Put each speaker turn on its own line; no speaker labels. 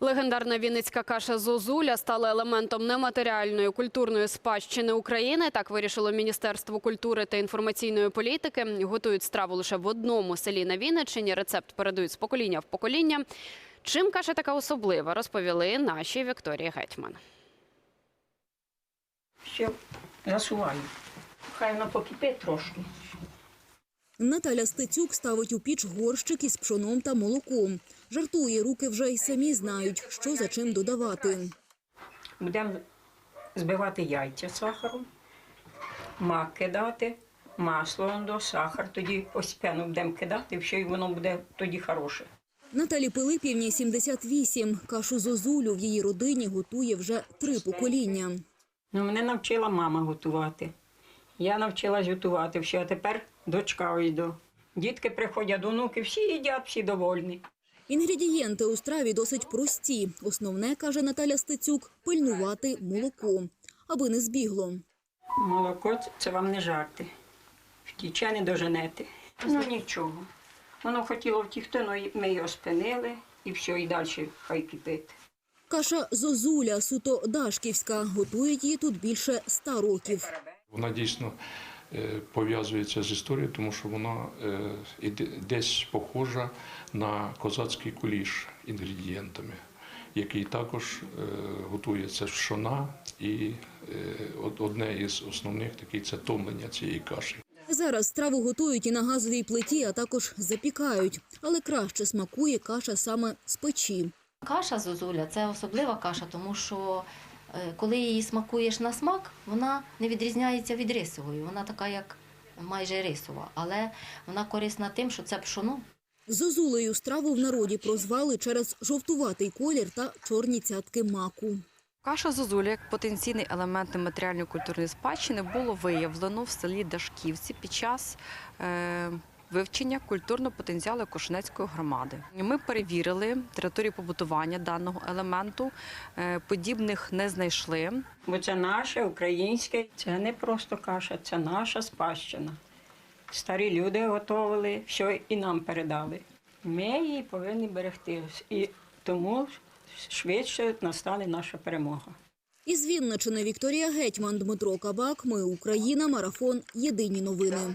Легендарна вінницька каша «Зозуля» стала елементом нематеріальної культурної спадщини України. Так вирішило Міністерство культури та інформаційної політики. Готують страву лише в одному селі на Вінниччині. Рецепт передають з покоління в покоління. Чим каша така особлива, розповіли нашій Вікторії Гетьман.
Ще засуваю. Хай вона покипить трошки.
Наталя Стецюк ставить у піч горщик із пшоном та молоком. Жартує, руки вже й самі знають, що за чим додавати.
Будемо збивати яйця з сахаром, мак кидати, масло, сахар. Тоді постійно будемо кидати, все, і воно буде тоді хороше.
Наталі Пилипівні 78. Кашу «Зозулю» в її родині готує вже 3 покоління.
Мене навчила мама готувати. Я навчилась готувати все, а тепер дочка йду. Дітки приходять, онуки, всі їдять, всі довольні.
Інгредієнти у страві досить прості. Основне, каже Наталя Стецюк, пильнувати молоко, аби не збігло.
Молоко – це вам не жарти. Втіче не доженете. Ну нічого. Воно хотіло втікти, але ми його спинили і все, і далі хай кипить.
Каша «Зозуля» суто дашківська. Готують її тут більше 100 років.
Вона дійсно пов'язується з історією, тому що вона десь похожа на козацький куліш інгредієнтами, який також готується з пшона, і одне із основних таких – це томлення цієї каші.
Зараз страву готують і на газовій плиті, а також запікають. Але краще смакує каша саме з печі.
Каша «Зозуля» – це особлива каша, тому що коли її смакуєш на смак, вона не відрізняється від рисової. Вона така, як майже рисова, але вона корисна тим, що це пшоно.
«Зозулею» страву в народі прозвали через жовтуватий колір та чорні цятки маку.
Каша «Зозуля» як потенційний елемент нематеріальної культурної спадщини було виявлено в селі Дашківці під час вивчення культурного потенціалу Кошенецької громади. Ми перевірили територію побутування даного елементу, подібних не знайшли.
Бо це наше, українське, це не просто каша, це наша спадщина. Старі люди готували, все і нам передали. Ми її повинні берегти, і тому швидше настане наша перемога.
Із Вінниччини Вікторія Гетьман, Дмитро Кабак. Ми Україна. Марафон. Єдині новини.